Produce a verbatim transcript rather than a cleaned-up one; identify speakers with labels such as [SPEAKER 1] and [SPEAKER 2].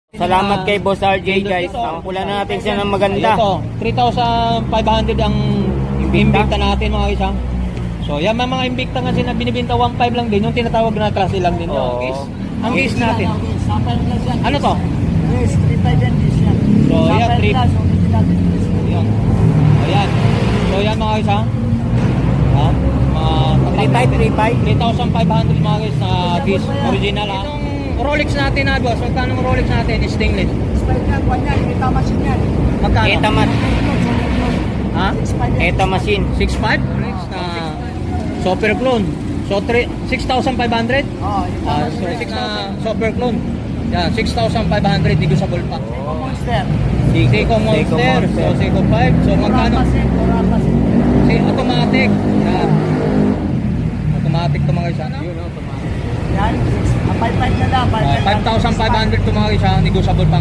[SPEAKER 1] Salamat kay Boss R J guys. Nakakulan na natin siya ng maganda.
[SPEAKER 2] Ito, three thousand five hundred ang
[SPEAKER 1] Invicta.
[SPEAKER 2] Invicta natin mga isa. So yan mga mga Invicta nga sila binibenta one five lang din. Yung tinatawag na class lang din.
[SPEAKER 1] Oo.
[SPEAKER 2] Ang case. Ang case natin.
[SPEAKER 3] Sample glass yan.
[SPEAKER 2] Ano to?
[SPEAKER 3] Yes, three five yan. Yes, yan.
[SPEAKER 2] So, yan,
[SPEAKER 3] Sample
[SPEAKER 2] three-
[SPEAKER 3] glass, original din.
[SPEAKER 2] Yan. Ayan. So yan mga isa. Ha? Mga
[SPEAKER 1] three five three five.
[SPEAKER 2] three thousand five hundred mga guys na case. Original ha. Itong Rolex natin na boss. Magkano ang Rolex natin? Stainless.
[SPEAKER 3] Spike yan, kwan yan. Kita machine yan.
[SPEAKER 2] Magkano?
[SPEAKER 1] Eta mat.
[SPEAKER 2] Ha?
[SPEAKER 1] Eta machine.
[SPEAKER 2] six five? Rolex na Super Clone. So six thousand five hundred?
[SPEAKER 3] Oh, yung
[SPEAKER 2] Ah,
[SPEAKER 3] tama
[SPEAKER 2] so
[SPEAKER 3] siya.
[SPEAKER 2] six na Super Clone. Yan, six thousand five hundred dito sa ballpark.
[SPEAKER 3] Seiko Monster.
[SPEAKER 2] Seiko Monster. So Seiko five. So magkano?
[SPEAKER 3] Rapasin, rapasin.
[SPEAKER 2] Si automatic. Yan. Automatic to mga isa. Yun, automatic.
[SPEAKER 3] Yan, five five na lang.
[SPEAKER 2] five thousand five hundred to mga isa. Negotiable pa